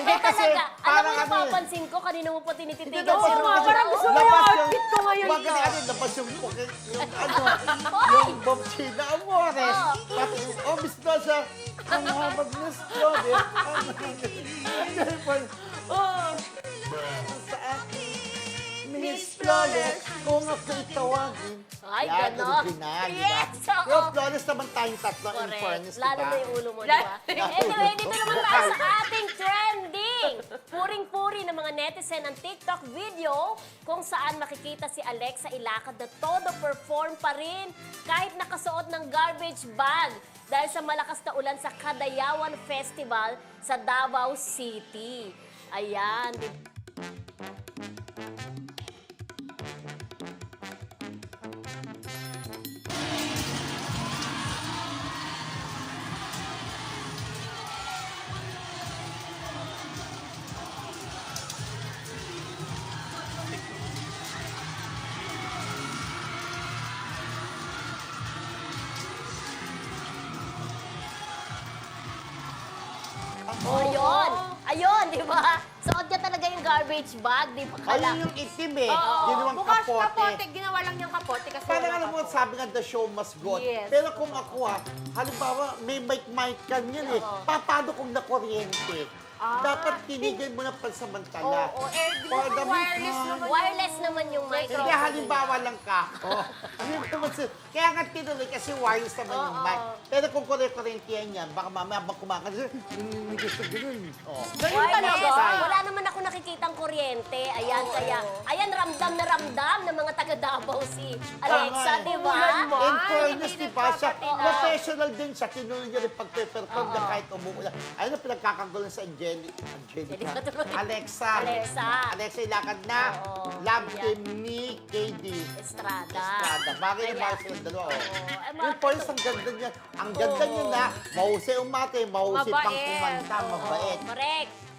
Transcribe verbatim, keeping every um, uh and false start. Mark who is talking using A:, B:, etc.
A: Hindi
B: kasi
A: talaga. Alam mo,
B: parang ano eh.
A: napapansin ko, kanina mo pa tinititigan
B: Hindi,
A: si
B: labas
A: Ron.
B: yung-
C: parang gusto mo yung
B: labas
C: outfit ko ngayon,
B: Bakit
C: no?
B: ano, labas yung, yung ano, yung Bob China Amores.
A: Oh.
B: Pati, oh, Miss Rosa, ang habag Miss Rosa. Oh, sa akin, Miss Flawless, kung ako'y tawagin.
A: Ay,
B: Yan,
A: ganon.
B: original, di ba?
A: Yes, oo.
B: Pero Flawless naman tayong tatlo, in
A: Correct.
B: fairness, di
A: Lalo
B: ba?
A: na yung ulo mo, di
C: Lalo-
A: ba? Anyway, dito naman tayo sa ating trending. Puring-puri ng mga netizen ang TikTok video kung saan makikita si Alexa Ilacad na todo perform pa rin kahit nakasuot ng garbage bag dahil sa malakas na ulan sa Kadayawan Festival sa Davao City. Ayan, di Oh, ayun. Ayun, di ba? Suot niya talaga yung garbage bag, di ba? Kala.
B: Ayun yung itim eh.
C: Oo.
B: Yun yung
C: Bukas
B: kapote.
C: kapote, ginawa lang niyang kapote kasi
B: Parang
C: wala
B: alam mo,
C: kapote.
B: sabi nga, the show must go on.
C: Yes.
B: Pero kung ako ha, halimbawa, may mic-mic ka niyan eh.
A: Oo.
B: Pa- Paano kung nakuryente?
C: Ah.
B: Dapat tinigil mo na pansamantala.
C: Oo, eh, di
B: For
C: ba
B: the
C: wireless
B: meantime.
C: naman
A: Wireless naman yung microphone.
B: Hindi, halimbawa lang ka. Oh. Yun naman si- Kaya nga tinuloy kasi wireless naman yung
A: Oo.
B: mic. Pero kung kure-kurente yan, baka mamaya habang kumakanta, hindi gusto ganun. Oh.
C: Ganun
A: Wireless.
C: talaga.
A: Wala naman ako nakikitang kuryente. Ayan, kaya, ayan, ramdam na ramdam ng mga taga Davao si Alexa,
B: Tama.
A: di ba?
C: Ulan mo.
B: In
C: Ay,
B: fairness,
C: hindi
B: di ba siya,
C: nagpapatinaw.
B: professional din siya. Tinuloy niya rin pag-perform niya kahit umuulan. Ayun ang pinagkakagulan sa Angeli, Angelica.
A: Angelica tuloy.
B: Alexa.
A: Alexa.
B: Alexa, ilakad na.
A: Oo.
B: Love
A: Yan.
B: team ni K D.
A: Estrada.
B: Estrada. Bagay na
A: Kaya-
B: bagay silang dalawa. Oh.
A: Oo. Ay,
B: Yung
A: mga-
B: points, ang ganda niya. Ang ganda
A: Oo.
B: niya na, mahusay umate, mahusay pang
C: Mabait.
B: kumanta,
A: Oo,
B: mabait.
A: correct.